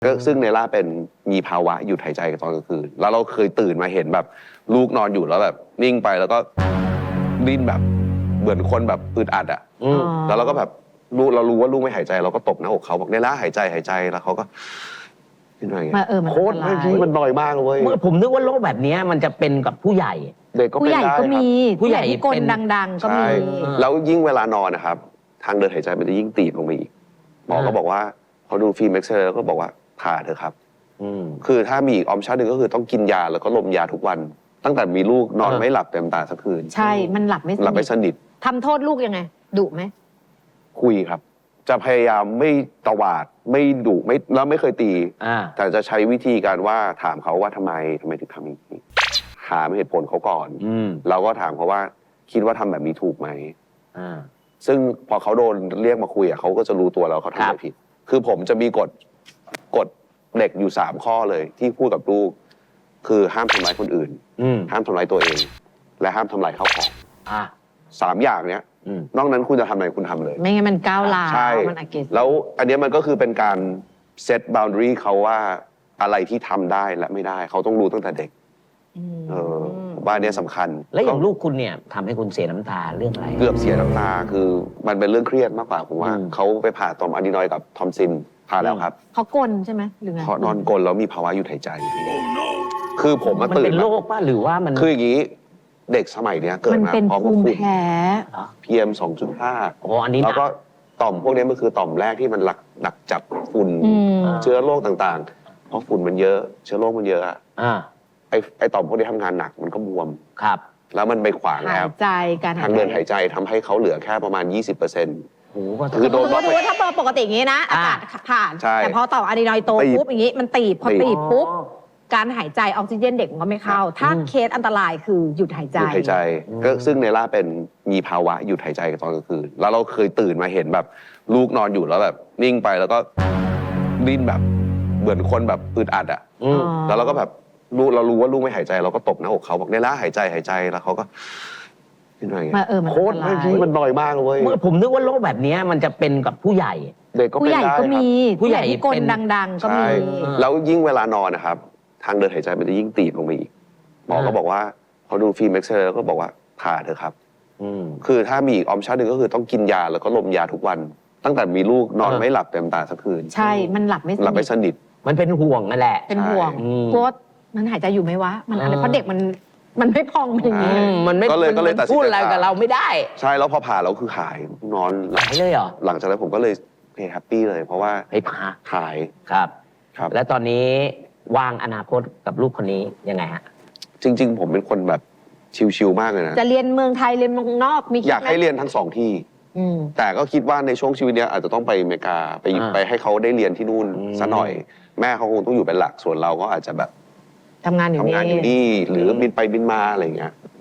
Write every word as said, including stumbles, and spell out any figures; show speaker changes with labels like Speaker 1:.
Speaker 1: ก็ซึ่งเนล่าเป็นมีภาวะหยุดหายใจตอนกลางคืนแล้วเราเคยตื่นมาเห็นแบบลูกนอนอยู่แล้วแบบนิ่งไปแล้วก็ดิ้นแบบเหมือนคนแบบอึดอัดอ่ะแล้วเราก็แบบลูกเรารู้ว่าลูกไม่หายใจเราก็ตบหน้าอกเขาบอกเนล่าหายใจหายใจแล้วเขาก็เป็นอะไรเงี้ยโคตรไม่พี่มันน้อยมากเลย
Speaker 2: ผมนึกว่าโรคแบบนี้มันจะเป็นกับผู้ใหญ่
Speaker 1: เด็กก็เป็นได้ครับ
Speaker 3: ผู้ใหญ่ที่กลดังๆก็มี
Speaker 1: แล้วยิ่งเวลานอนนะครับทางเดินหายใจมันจะยิ่งตีบลงไปอีกหมอก็บอกว่าพอดูฟิล์มเอ็กซเรย์แล้วก็บอกว่าผ่าเถอะครับคือถ้ามีอีกออปชั่นหนึ่งก็คือต้องกินยาแล้วก็ลมยาทุกวันตั้งแต่มีลูกนอนไม่หลับเต็มตาสักคืน
Speaker 3: ใช่มันหลับไม่
Speaker 1: หลับไม่สนิท
Speaker 3: ทำโทษลูกยังไงดุไหม
Speaker 1: คุยครับจะพยายามไม่ตวาดไม่ดุไม่แล้วไม่เคยตีแต่จะใช้วิธีการว่าถามเขาว่าทำไมทำไมถึงทำอย่างนี้หาเหตุผลเขาก่อนเราก็ถามเขาว่าคิดว่าทำแบบนี้ถูกไหมซึ่งพอเขาโดนเรียกมาคุยอ่ะเขาก็จะรู้ตัวแล้วเขาทำอะไรผิดคือผมจะมีกฎกฎเด็กอยู่สามข้อเลยที่พูดกับลูกคือห้ามทำร้ายคนอื่นห้ามทำร้ายตัวเองและห้ามทำลายข้าวของสามอย่างเนี้ยนอกนั้นคุณจะทำอะไรคุณทำเลย
Speaker 3: ไม่งั้นมันก้าวร้าว
Speaker 1: ใช่แล้วอันนี้มันก็คือเป็นการเซตบาวน์ดารีเขาว่าอะไรที่ทำได้และไม่ได้เขาต้องรู้ตั้งแต่เด็กเออว่านี้สำคัญ
Speaker 2: แล้วอย่างลูกคุณเนี่ยทำให้คุณเสียน้ำตาเรื่องอะไร
Speaker 1: เกือบเสียน้ำตาคือมันเป็นเรื่องเครียดมากกว่าผมว่าเขาไปผ่าต่อมอะดรีนอยด์กับทอมซินผ่าแล้วครับ
Speaker 3: เขากลใช่ไหมหรือไง
Speaker 1: เขานอนกลแล้วมีภาวะหยุดหายใจคือผมมาตื่น
Speaker 2: มันเป็นโรคป่ะหรือว่ามัน
Speaker 1: คืออย่างนี้เด็กสมัยเนี้ยเกิดมา
Speaker 3: พร้อมกับภูมิแพ้
Speaker 1: พี เอ็ม สองจุดห้า
Speaker 2: โอ้อันนี้
Speaker 1: แล้วก็ต่อมพวกนี้มันคือต่อมแรกที่มันหลักหนักจับฝุ่นเชื้อโรคต่างๆเพราะฝุ่นมันเยอะเชื้อโรคมันเยอะอ่ะไอไอต่อมพวกนี้ทำงานหนักมันก็บวม
Speaker 2: ครับ
Speaker 1: แล้วมันไปขวางแล้ว
Speaker 3: ใจการ
Speaker 1: ทางเดินหายใจทำให้เขาเหลือแค่ประมาณ ยี่สิบเปอร์เซ็นต์
Speaker 3: คือโดนว่าถ้าเปิดปกติอย่างนี้นะอากาศผ่านแต่พอต่อมอะดรีนอยด์โตปุ๊บอย่างนี้มันตีบพอตีบปุ๊บการหายใจออกซิเจนเด็กมันก็ไม่เข้าถ้าเคสอันตรายคือหยุดหายใจ
Speaker 1: หยุดหายใจก็ซึ่งเนล่าเป็นมีภาวะหยุดหายใจตอนกลางคืนแล้วเราเคยตื่นมาเห็นแบบลูกนอนอยู่แล้วแบบนิ่งไปแล้วก็ดิ้นแบบเหมือนคนแบบอึดอัดอ่ะแล้วเราก็แบบลูกเรารู้ว่าลูกไม่หายใจเราก็ตบหน้าอกเขาบอกเนล่าหายใจหายใจแล้วเขาก็เป็นอะไรเงี้ยโคตรไม่พี่มันน้อยมากเลย
Speaker 2: ผมนึกว่าโรคแบบนี้มันจะเป็นกับผู้ใหญ่
Speaker 1: เด็กก็เป็นได้
Speaker 3: ก็มีผู้ใหญ่ที่กลดังๆก็มี
Speaker 1: แล้วยิ่งเวลานอนนะครับทางเดินหายใจมันจะยิ่งตีบลงไปอีกหมอก็บอกว่าพอดูฟิล์มเอ็กซเรย์แล้วก็บอกว่าผ่าเถอะครับคือถ้ามีอีกออปชั่นหนึ่งก็คือต้องกินยาแล้วก็ลมยาทุกวันตั้งแต่มีลูกนอนไม่หลับเต็มตาสักคืน
Speaker 3: ใช่มันหลับไม่
Speaker 1: หลับไม่สนิท
Speaker 2: มันเป็นห่วงนั่นแหละ
Speaker 3: เป็นห่วงกลัวมันหายใจอยู่ไหมวะมันอะไรเพราะเด็กมันมันไม่พองอย่างนี้
Speaker 2: มันไม่
Speaker 1: ก็เลยก็เลยตัดสินใจ
Speaker 2: พูดอะไรกับเราไม่ได้
Speaker 1: ใช่แล้วพอผ่าแล้วคือหายนอน
Speaker 2: หายเลยเหรอ
Speaker 1: หลังจากนั้นผมก็เลยแฮปปี้เลยเพราะว่า
Speaker 2: ไอ้ผ่า
Speaker 1: หาย
Speaker 2: ครับ
Speaker 1: ครับ
Speaker 2: และตอนนี้วางอนาคตกับลูกคนนี้ยังไงฮะ
Speaker 1: จริงๆผมเป็นคนแบบชิลๆมากเลยนะ
Speaker 3: จะเรียนเมืองไทยเรียนเมืองนอกมี
Speaker 1: อยากให้เรียนทั้งสองที่แต่ก็คิดว่าในช่วงชีวิตนี้อาจจะต้องไปอเมริกาไปไปให้เขาได้เรียนที่นู่นซะหน่อยแม่เขาคงต้องอยู่เป็นหลักส่วนเราก็อาจจะแบบ
Speaker 3: ทำงานอยู่
Speaker 1: ทำงานอยู่นี่หรือบินไปบินมาอะไรอย่างเงี้ย